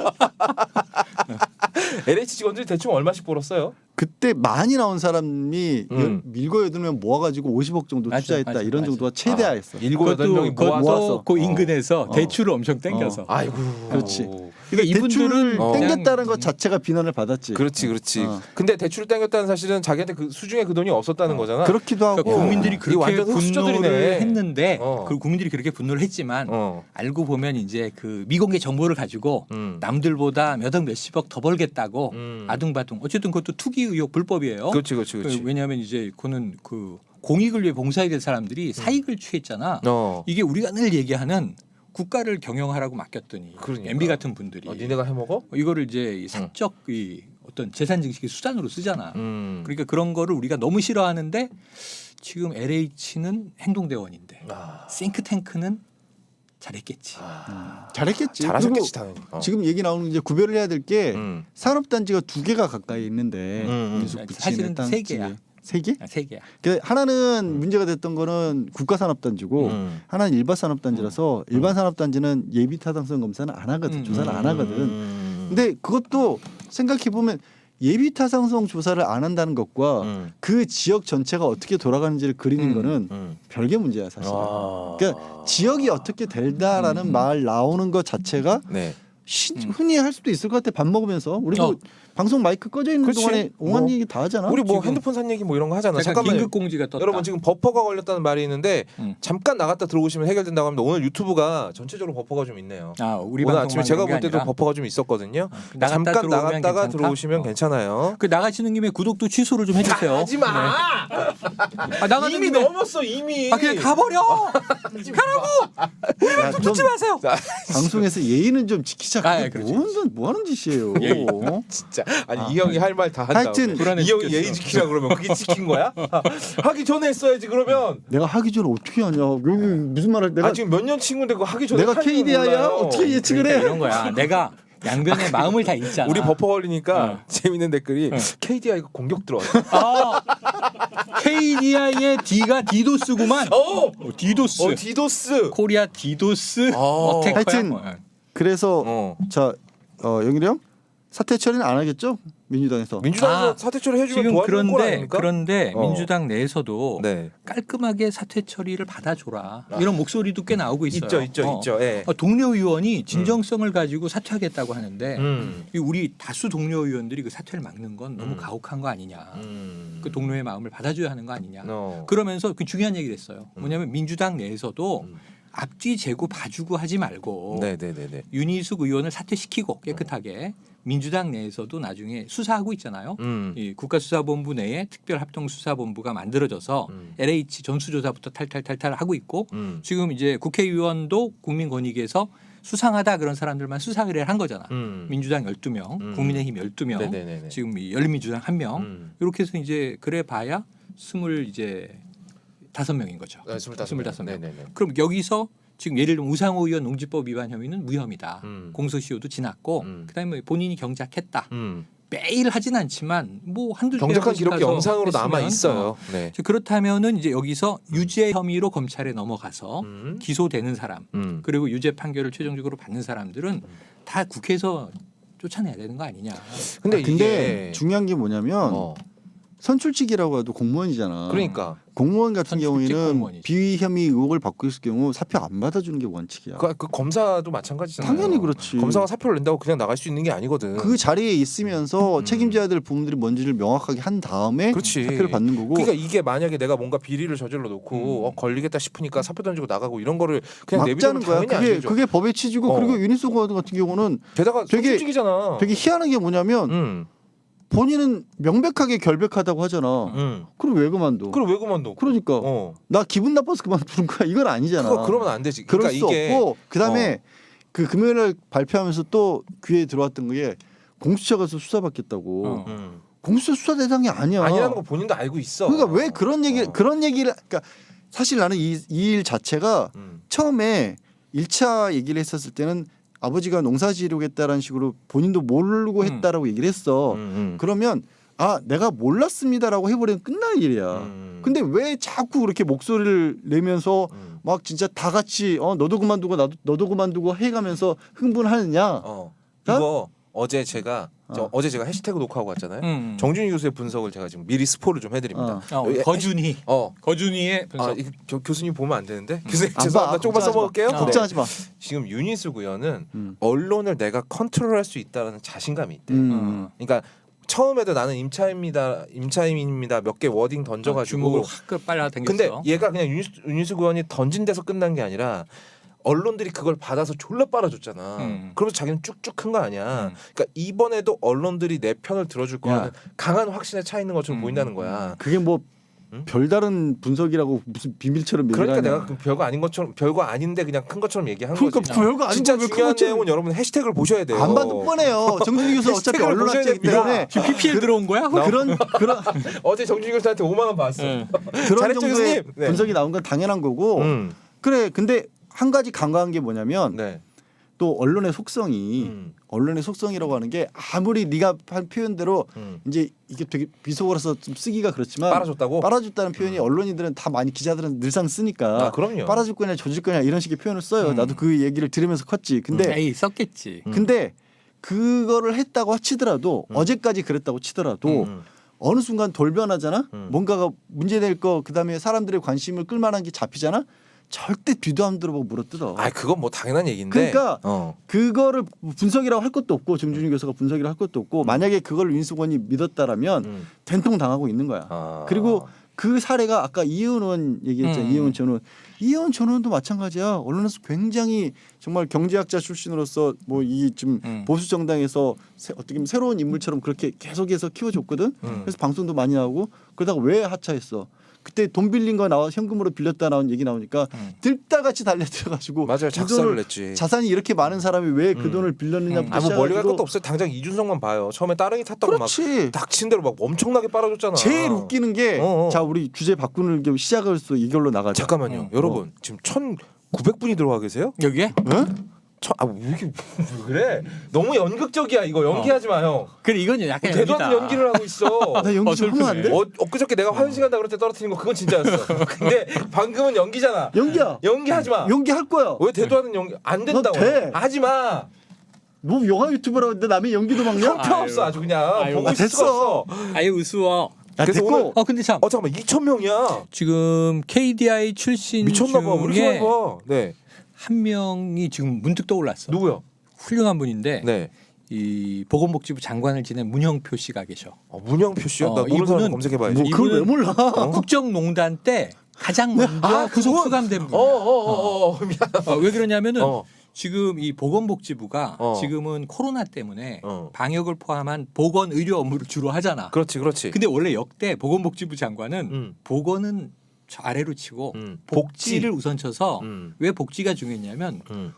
S2: 엘에이치 직원들이 대충 얼마씩 벌었어요?
S3: 그때 많이 나온 사람이
S2: 음.
S3: 밀고 여들면 모아가지고 오십억 정도
S1: 맞아,
S3: 투자했다.
S1: 맞아,
S3: 이런
S1: 맞아.
S3: 정도가 최대화였어.
S2: 일곱 여덟 명이
S1: 그것도
S2: 모아서
S3: 모았어.
S1: 그 인근에서
S3: 어.
S1: 대출을 엄청 땡겨서.
S3: 어.
S2: 아이고.
S3: 그렇지.
S1: 그러니까
S3: 대출을
S1: 이분들은
S2: 어.
S3: 땡겼다는
S1: 그냥-
S3: 것 자체가 비난을 받았지.
S2: 그렇지, 그렇지.
S3: 어.
S2: 근데 대출을 땡겼다는 사실은 자기한테 그 수중에 그 돈이 없었다는 거잖아.
S3: 그렇기도 하고.
S1: 그러니까 국민들이
S2: 이게
S1: 그렇게
S2: 완전
S1: 분노를
S2: 흑수저들이네.
S1: 했는데
S2: 어.
S1: 그 국민들이 그렇게 분노를 했지만
S2: 어.
S1: 알고 보면 이제 그 미공개 정보를 가지고
S2: 음.
S1: 남들보다 몇억 몇십억 더 벌겠다고
S2: 음.
S1: 아둥바둥 어쨌든 그것도 투기 의혹 불법이에요.
S2: 그렇지, 그렇지, 그렇지.
S1: 그 왜냐하면 이제 그는 그 공익을 위해 봉사해야 될 사람들이 사익을 취했잖아.
S2: 어.
S1: 이게 우리가 늘 얘기하는 국가를 경영하라고 맡겼더니
S2: 그러니까.
S1: 엠비 같은 분들이
S2: 어, 니네가 해 먹어?
S1: 이거를 이제 이 사적 이 어떤 재산 증식의 수단으로 쓰잖아.
S2: 음.
S1: 그러니까 그런 거를 우리가 너무 싫어하는데 지금 엘에이치는 행동대원인데
S2: 아.
S1: 싱크탱크는 잘했겠지.
S2: 아.
S3: 잘했겠지.
S2: 잘하셨겠지
S3: 그리고
S2: 당연히. 어.
S3: 지금 얘기 나오는 이제 구별을 해야 될 게
S2: 음.
S3: 산업단지가 두 개가 가까이 있는데
S2: 음, 음.
S3: 민속 부친의
S1: 사실은
S3: 땅
S1: 세
S3: 지에.
S1: 개야.
S3: 세 개?
S1: 아, 세 개야.
S3: 그 하나는 문제가 됐던 거는 국가산업단지고
S2: 음.
S3: 하나는 일반산업단지라서 일반산업단지는 예비타당성 검사는 안 하거든.
S1: 음.
S3: 조사를 안 하거든.
S2: 음.
S3: 근데 그것도 생각해 보면 예비타당성 조사를 안 한다는 것과
S2: 음.
S3: 그 지역 전체가 어떻게 돌아가는지를 그리는
S1: 음.
S3: 거는
S2: 음.
S3: 별개 문제야 사실.
S2: 아.
S3: 그러니까 지역이 어떻게 될다라는
S1: 음.
S3: 말 나오는 것 자체가
S2: 네.
S3: 시,
S1: 음.
S3: 흔히 할 수도 있을 것 같아. 밥 먹으면서 우리 뭐
S1: 어.
S3: 방송 마이크 꺼져 있는
S2: 그렇지.
S3: 동안에 옹한
S2: 뭐.
S3: 얘기 다 하잖아.
S2: 우리 뭐
S1: 지금
S2: 핸드폰 산 얘기 뭐 이런 거 하잖아.
S1: 잠깐
S2: 잠깐만요.
S1: 긴급 공지가 떴다.
S2: 여러분 지금 버퍼가 걸렸다는 말이 있는데
S1: 음.
S2: 잠깐 나갔다 들어오시면 해결된다고 합니다. 오늘 유튜브가 전체적으로 버퍼가 좀 있네요.
S1: 아, 우리
S2: 오늘
S1: 방송만
S2: 아침에 제가
S1: 그런
S2: 볼
S1: 게
S2: 때도
S1: 아니라
S2: 버퍼가 좀 있었거든요.
S1: 나갔다
S2: 잠깐
S1: 들어오면
S2: 나갔다가
S1: 괜찮다?
S2: 들어오시면
S1: 어.
S2: 괜찮아요.
S1: 그 나가시는 김에 구독도 취소를 좀 해주세요.
S2: 하지 마.
S1: 아, 나가는
S2: 이미
S1: 김에
S2: 넘었어 이미.
S1: 아 그냥 가버려.
S3: 야, 좀
S1: 붙지 마세요.
S2: 자,
S3: 방송에서 예의는 좀 지키자.
S1: 아,
S3: 그게
S1: 그렇지.
S3: 뭐, 하는, 뭐 하는 짓이에요.
S1: 예의.
S3: 어?
S2: 진짜 아니
S3: 아.
S2: 이 형이 할 말 다 한다.
S3: 하여튼
S1: 불안해
S2: 이 형이
S1: 죽겠어.
S2: 예의 지키라 그러면 그게 지킨 거야? 하기 전에 했어야지 그러면.
S3: 내가 하기 전에 어떻게 하냐. 여기 무슨 말을 내가
S2: 아 지금 몇 년 친구인데 그거 하기 전에
S3: 내가
S2: 할 줄은
S3: 케이디아이야?
S2: 몰라요.
S3: 어떻게 예측을
S1: 그러니까
S3: 해?
S1: 이런 거야. 내가 양변의 마음을 다 읽잖아.
S2: 우리 버퍼 걸리니까
S1: 어.
S2: 재밌는 댓글이
S1: 어.
S2: 케이디아이가 공격 들어왔어.
S1: 아, 케이디아이의 D가 디도스구만.
S2: 어,
S1: 어, 디도스.
S2: 어 디도스.
S1: 코리아 디도스.
S2: 어.
S1: 어택커야.
S3: 하여튼
S1: 뭐.
S3: 그래서
S2: 어.
S3: 자 어, 영일이 형 사퇴 처리는 안 하겠죠? 민주당에서.
S2: 민주당에서
S1: 아,
S2: 사퇴 처리 해주면
S1: 지금
S2: 도와주는 거
S1: 그런데
S2: 아닙니까?
S1: 그런데
S2: 어.
S1: 민주당 내에서도
S2: 네.
S1: 깔끔하게 사퇴 처리를 받아줘라 이런 목소리도 꽤 나오고 있어요.
S2: 있죠, 있죠,
S1: 어.
S2: 있죠. 예.
S1: 어, 동료 의원이 진정성을 가지고 사퇴하겠다고 하는데
S2: 음.
S1: 이 우리 다수 동료 의원들이 그 사퇴를 막는 건 너무
S2: 음.
S1: 가혹한 거 아니냐.
S2: 음.
S1: 그 동료의 마음을 받아줘야 하는 거 아니냐.
S2: 어.
S1: 그러면서 그 중요한 얘기를 했어요.
S2: 음.
S1: 뭐냐면 민주당 내에서도
S2: 음.
S1: 앞뒤 재고 봐주고 하지 말고
S2: 네네네네.
S1: 윤희숙 의원을 사퇴시키고 깨끗하게 민주당 내에서도 나중에 수사하고 있잖아요.
S2: 음.
S1: 이 국가수사본부 내에 특별합동수사본부가 만들어져서
S2: 음.
S1: 엘에이치 전수조사부터 탈탈탈탈 하고 있고
S2: 음.
S1: 지금 이제 국회의원도 국민권익위에서 수상하다 그런 사람들만 수사 의뢰를 한 거잖아.
S2: 음.
S1: 민주당 열두 명,
S2: 음.
S1: 국민의힘 열두 명,
S2: 네네네네.
S1: 지금 이 열린민주당 한 명.
S2: 음.
S1: 이렇게 해서 이제 그래 봐야 스물 이제 다섯 명인 거죠.
S2: 네, 스물다섯
S1: 스물다섯 명.
S2: 네네네.
S1: 그럼 여기서 지금 예를 들면 우상호 의원 농지법 위반 혐의는 무혐의다.
S2: 음.
S1: 공소시효도 지났고
S2: 음.
S1: 그다음에 본인이 경작했다.
S2: 음.
S1: 매일 하진 않지만 뭐 한두
S2: 경작한
S1: 개
S2: 기록이
S1: 가서
S2: 영상으로
S1: 했으면,
S2: 남아 있어요.
S1: 어.
S2: 네.
S1: 그렇다면은 이제 여기서 유죄 혐의로 검찰에 넘어가서
S2: 음.
S1: 기소되는 사람
S2: 음.
S1: 그리고 유죄 판결을 최종적으로 받는 사람들은 다 국회에서 쫓아내야 되는 거 아니냐.
S2: 근데
S3: 아, 근데
S2: 이게
S3: 중요한 게 뭐냐면
S2: 어.
S3: 선출직이라고 해도 공무원이잖아.
S2: 그러니까
S3: 공무원 같은
S1: 선출직
S3: 경우에는
S1: 공무원이지.
S3: 비위 혐의 의혹을 받고 있을 경우 사표 안 받아주는 게 원칙이야.
S2: 그, 그 검사도 마찬가지잖아요.
S3: 당연히 그렇지.
S2: 검사가 사표를 낸다고 그냥 나갈 수 있는 게 아니거든.
S3: 그 자리에 있으면서
S2: 음.
S3: 책임져야 될 부분들이 뭔지를 명확하게 한 다음에
S2: 그렇지.
S3: 사표를 받는 거고.
S2: 그러니까 이게 만약에 내가 뭔가 비리를 저질러 놓고
S1: 음.
S2: 어, 걸리겠다 싶으니까 사표 던지고 나가고 이런 거를 그냥 내비두면
S3: 막자는 거야.
S2: 당연히 안
S3: 그게
S2: 되죠.
S3: 그게 법의 취지고
S2: 어.
S3: 그리고 유니스 같은 경우는
S2: 게다가
S3: 되게-
S2: 선출직이잖아.
S3: 되게 희한한 게 뭐냐면
S2: 음.
S3: 본인은 명백하게 결백하다고 하잖아.
S2: 음.
S3: 그럼 왜 그만둬?
S2: 그럼 왜 그만둬?
S3: 그러니까
S2: 어.
S3: 나 기분 나빠서 그만두는 거야. 이건 아니잖아.
S2: 그거 그러면 안 되지.
S3: 그럴
S2: 그러니까
S3: 수
S2: 이게
S3: 없고 그다음에 그 금요일날 발표하면서 또 귀에 들어왔던 게 공수처 가서 수사받겠다고.
S1: 어.
S2: 음.
S3: 공수처 수사 대상이 아니야.
S2: 아니라는 거 본인도 알고 있어.
S3: 그러니까 왜 그런 얘기
S2: 어.
S3: 그런 얘기를 그러니까 사실 나는 이 일 자체가
S2: 음.
S3: 처음에 일 차 얘기를 했었을 때는 아버지가 농사 지르겠다라는 식으로 본인도 모르고
S1: 음.
S3: 했다라고 얘기를 했어.
S2: 음, 음.
S3: 그러면 아 내가 몰랐습니다라고 해버리면 끝날 일이야.
S2: 음.
S3: 근데 왜 자꾸 그렇게 목소리를 내면서
S2: 음.
S3: 막 진짜 다 같이 어 너도 그만두고 나도 너도 그만두고 해가면서 흥분하느냐?
S2: 어. 이거 어제 제가 저
S3: 어.
S2: 어제 제가 해시태그 녹화하고 왔잖아요.
S1: 음.
S2: 정준희 교수의 분석을 제가 지금 미리 스포를 좀 해드립니다.
S3: 어.
S1: 어,
S2: 예,
S1: 거준희
S2: 어.
S1: 거준희의 분석.
S2: 아, 이거 저 교수님 보면 안 되는데 교수님
S3: 안
S2: 죄송합니다.
S3: 봐.
S2: 조금만
S3: 걱정하지 마.
S2: 써먹을게요.
S1: 어.
S3: 걱정하지 마.
S2: 지금 윤희수 구현은
S3: 음.
S2: 언론을 내가 컨트롤할 수 있다는 자신감이 있대.
S3: 음.
S2: 그러니까 처음에도 나는 임차입니다, 임차인입니다 몇 개 워딩 던져가지고.
S1: 주목을 확 빨아 당겼어.
S2: 근데 얘가 그냥 윤희수, 윤희수 구현이 던진 데서 끝난 게 아니라 언론들이 그걸 받아서 졸라 빨아줬잖아.
S1: 음.
S2: 그러면서 자기는 쭉쭉 큰 거 아니야.
S1: 음.
S2: 그러니까 이번에도 언론들이 내 편을 들어줄 거라는
S3: 야.
S2: 강한 확신에 차 있는 것처럼
S1: 음.
S2: 보인다는 거야.
S3: 그게 뭐
S2: 응?
S3: 별다른 분석이라고 무슨 비밀처럼 얘기를
S2: 그러니까
S3: 하냐.
S2: 내가 그 별거 아닌 것처럼 별거 아닌데 그냥 큰 것처럼 얘기한
S3: 그러니까
S2: 거지.
S3: 별거 아닌
S2: 진짜
S3: 걸왜
S2: 중요한
S3: 그것처럼-
S2: 내용은 여러분 해시태그를 보셔야 돼요.
S3: 안 봐도 뻔해요. 정준희 교수 어차피
S2: 해시태그를
S3: 언론
S2: 보셔야
S3: 학자이기
S2: 됩니다.
S3: 때문에
S1: 지금 피피엘 들어온 거야?
S2: 나-
S3: 그런 그런
S2: 어제 정준희 교수한테 오만 원 받았어.
S1: 응.
S3: 그런
S2: 잘했죠,
S3: 정도의
S2: 교수님? 네.
S3: 분석이 나온 건 당연한 거고.
S2: 음.
S3: 그래. 근데 한 가지 간과한 게 뭐냐면
S2: 네.
S3: 또 언론의 속성이
S2: 음.
S3: 언론의 속성이라고 하는 게 아무리 네가 한 표현대로
S2: 음.
S3: 이제 이게 되게 비속어라서 좀 쓰기가 그렇지만
S2: 빨아줬다고?
S3: 빨아줬다는 표현이 언론인들은 다 많이 기자들은 늘상 쓰니까
S2: 아, 그럼요.
S3: 빨아줄 거냐 조질 거냐 이런 식의 표현을 써요.
S1: 음.
S3: 나도 그 얘기를 들으면서 컸지. 근데
S1: 에이 썼겠지.
S2: 음.
S3: 근데 그거를 했다고 치더라도
S2: 음.
S3: 어제까지 그랬다고 치더라도
S2: 음.
S3: 어느 순간 돌변하잖아.
S2: 음.
S3: 뭔가가 문제될 거 그다음에 사람들의 관심을 끌만한 게 잡히잖아. 절대 뒤도 안 들어보고 물어뜯어.
S2: 아 그건 뭐 당연한 얘기인데.
S3: 그러니까
S2: 어.
S3: 그거를 분석이라고 할 것도 없고 정준희 교수가 분석이라고 할 것도 없고 만약에 그걸 윤수건이 믿었다라면
S2: 음.
S3: 된통 당하고 있는 거야.
S2: 아.
S3: 그리고 그 사례가 아까 이혜원 의원 얘기했잖아요.
S1: 음.
S3: 이혜원 전 의원. 이혜원 전 의원도 마찬가지야. 언론에서 굉장히 정말 경제학자 출신으로서 뭐 이 좀
S1: 음.
S3: 보수 정당에서 새- 어떻게 보면 새로운 인물처럼 그렇게 계속해서 키워줬거든.
S2: 음.
S3: 그래서 방송도 많이 나오고 그러다가 왜 하차했어? 그때 돈 빌린 거 나와 현금으로 빌렸다 나온 얘기 나오니까
S1: 음.
S3: 들다같이 달려들어가지고
S2: 맞아요.
S3: 그
S2: 작사를
S3: 돈을
S2: 냈지.
S3: 자산이 이렇게 많은 사람이 왜 그
S2: 음.
S3: 돈을 빌렸느냐부터
S2: 아 뭐 멀리 갈
S3: 시작해가지고
S2: 것도 없어요. 당장 이준석만 봐요. 처음에 따릉이 탔다고
S3: 그렇지.
S2: 막 닥친 대로 막 엄청나게 빨아줬잖아.
S3: 제일 웃기는 게
S2: 어, 어.
S3: 자 우리 주제 바꾸는 겸 시작을 수 이걸로 나가자.
S2: 잠깐만요.
S1: 어.
S2: 여러분 지금 천구백 분이 들어와 계세요?
S1: 여기에?
S3: 응?
S2: 천, 아, 왜 이렇게 왜 그래? 너무 연극적이야 이거. 연기하지 마 형.
S1: 그래 이건 약간
S2: 대도
S1: 연기다.
S2: 않는 연기를 하고 있어.
S3: 나 연기 좀
S1: 슬프네.
S3: 하면 안 돼?
S2: 어, 엊그저께 내가 화장실 간다 그럴 때 떨어뜨린 거 그건 진짜였어. 근데 방금은 연기잖아.
S3: 연기야.
S2: 연기하지 마.
S3: 연기 할 거야.
S2: 왜 대도 않는 연기 안 된다고?
S3: 돼.
S2: 하지 마.
S3: 뭐 영화 유튜버라고 했는데 남의 연기도 막냐?
S2: 형편없어 아주 그냥
S1: 아유,
S2: 보고
S3: 아,
S2: 있을 수가
S3: 됐어.
S2: 없어.
S1: 아유 우스워.
S3: 야,
S2: 그래서
S3: 됐고
S2: 오늘-
S1: 어 근데 참
S2: 어 잠깐만 이천 명이야.
S1: 지금 케이디아이 출신
S2: 미쳤나 봐. 왜 이렇게 많이
S1: 중에
S2: 봐? 네.
S1: 한 명이 지금 문득 떠올랐어.
S2: 누구요?
S1: 훌륭한 분인데
S2: 네.
S1: 이 보건복지부 장관을 지낸 문형표 씨가 계셔.
S2: 어, 문영표 씨요?
S1: 어,
S2: 나 모르는 사람
S1: 이분은
S2: 검색해봐야지.
S3: 뭐 그걸 왜
S1: 이분은-
S3: 몰라?
S2: 어?
S1: 국정농단 때 가장 먼저
S2: 아,
S1: 구속
S2: 그분?
S1: 수감된 분이야.
S2: 어어어어 어, 미안.
S1: 어, 왜 그러냐면은
S2: 어.
S1: 지금 이 보건복지부가
S2: 어.
S1: 지금은 코로나 때문에
S2: 어.
S1: 방역을 포함한 보건 의료 업무를 주로 하잖아.
S2: 그렇지 그렇지.
S1: 근데 원래 역대 보건복지부 장관은
S2: 음.
S1: 보건은 저 아래로 치고
S2: 음.
S1: 복지를 우선 쳐서
S2: 음.
S1: 왜 복지가 중요했냐면
S2: 음.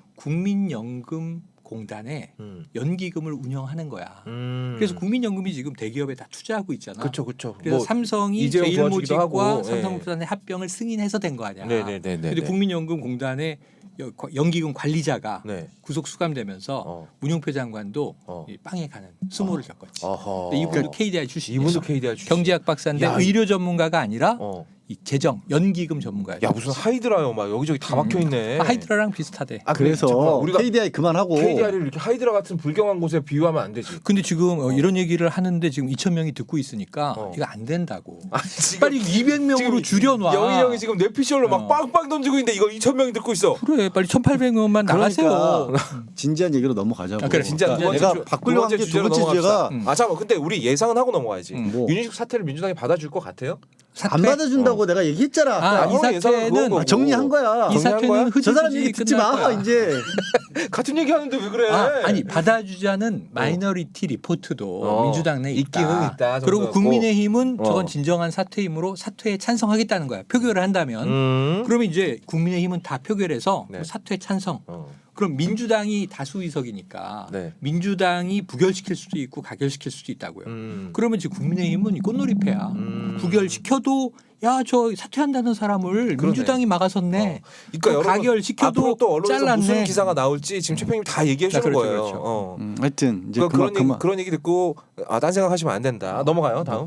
S1: 국민연금공단에
S2: 음.
S1: 연기금을 운영하는 거야.
S2: 음.
S1: 그래서 국민연금이 지금 대기업에 다 투자하고 있잖아.
S2: 그렇죠 그렇죠.
S1: 그래서
S2: 뭐,
S1: 삼성이
S2: 이재용 도와주기도
S1: 제일모직과
S2: 하고,
S1: 삼성물산의 합병을 승인해서 된 거 아니야.
S2: 네네네네.
S1: 근데 국민연금공단의 여- 연기금 관리자가
S2: 네.
S1: 구속 수감되면서
S2: 어.
S1: 문용표 장관도
S2: 어.
S1: 이 빵에 가는 수모를 겪었지.
S2: 어허.
S1: 근데 이분도 케이디아이 출신.
S2: 이분도 케이디아이 출신.
S1: 경제학 박사인데
S2: 야,
S1: 의료 전문가가 아니라
S2: 어.
S1: 이 재정 연기금 전문가예요.
S2: 야 무슨 하이드라요 막 여기저기 다
S1: 음.
S2: 막혀 있네.
S1: 하이드라랑 비슷하대.
S2: 아, 근데
S3: 그래서
S2: 잠깐만, 우리가
S3: 케이디아이 그만하고
S2: 케이디아이를 이렇게 하이드라 같은 불경한 곳에 비유하면 안 되지.
S1: 근데 지금 어, 이런 얘기를 하는데 지금 이천 명이 듣고 있으니까
S2: 어.
S1: 이거 안 된다고.
S2: 아, 지금
S1: 빨리 이백 명으로 줄여놔.
S2: 영희 형이 지금 뇌피셜로 막
S1: 어.
S2: 빵빵 던지고 있는데 이거 이천 명이 듣고 있어.
S1: 그래 빨리 천팔백 명만 나가세요.
S3: 그러니까 진지한 얘기로 넘어가자고.
S1: 아, 그래,
S2: 진짜 두
S3: 그러니까
S2: 번째
S3: 내가
S2: 주-
S3: 바꾸려고
S2: 두 번째
S3: 한 게 두
S2: 주제로
S3: 번째
S2: 넘어갑시다.
S3: 주제가
S1: 음.
S2: 아 잠깐 근데 우리 예상은 하고 넘어가야지.
S1: 음.
S3: 뭐.
S2: 윤희숙 사태를 민주당이 받아줄 것 같아요?
S1: 사퇴?
S3: 안 받아준다고 내가 얘기했잖아.
S1: 아,
S2: 아니,
S1: 이
S2: 형 예상은
S1: 사태는
S2: 그건 거고.
S3: 아, 정리한 거야.
S1: 이
S2: 정리한 거야?
S1: 사태는
S3: 저 사람
S1: 흐지부지
S3: 얘기 듣지
S1: 끝날
S3: 마
S1: 거야.
S3: 이제.
S2: 같은 얘기 하는데 왜 그래?
S1: 아, 아니 받아주자는 마이너리티 리포트도
S2: 어,
S1: 민주당 내에
S2: 있기는
S1: 있다.
S2: 있다,
S1: 그리고
S2: 정도였고.
S1: 국민의힘은
S2: 어.
S1: 저건 진정한 사퇴이므로 사퇴에 찬성하겠다는 거야. 표결을 한다면
S2: 음.
S1: 그러면 이제 국민의힘은 다 표결해서
S2: 네.
S1: 뭐 사퇴 찬성,
S2: 어.
S1: 그럼 민주당이 다수 의석이니까
S2: 네.
S1: 민주당이 부결시킬 수도 있고 가결시킬 수도 있다고요.
S2: 음.
S1: 그러면 지금 국민의힘은 이 꽃놀이패야.
S2: 음.
S1: 부결시켜도 야 저 사퇴한다는 사람을
S2: 그러네.
S1: 민주당이 막아섰네.
S2: 어. 그러니까
S1: 또
S2: 여러분
S1: 가결시켜도
S2: 앞으로 또 언론에서
S1: 잘랐네.
S2: 무슨 기사가 나올지 지금 최평님 다 얘기해 주는
S1: 그렇죠,
S2: 거예요.
S1: 그렇죠.
S2: 어.
S3: 음, 하여튼 이제
S2: 그러니까
S3: 그만
S2: 그런 얘기,
S3: 그만
S2: 그런 얘기 듣고 아, 딴 생각하시면 안 된다. 넘어가요. 다음.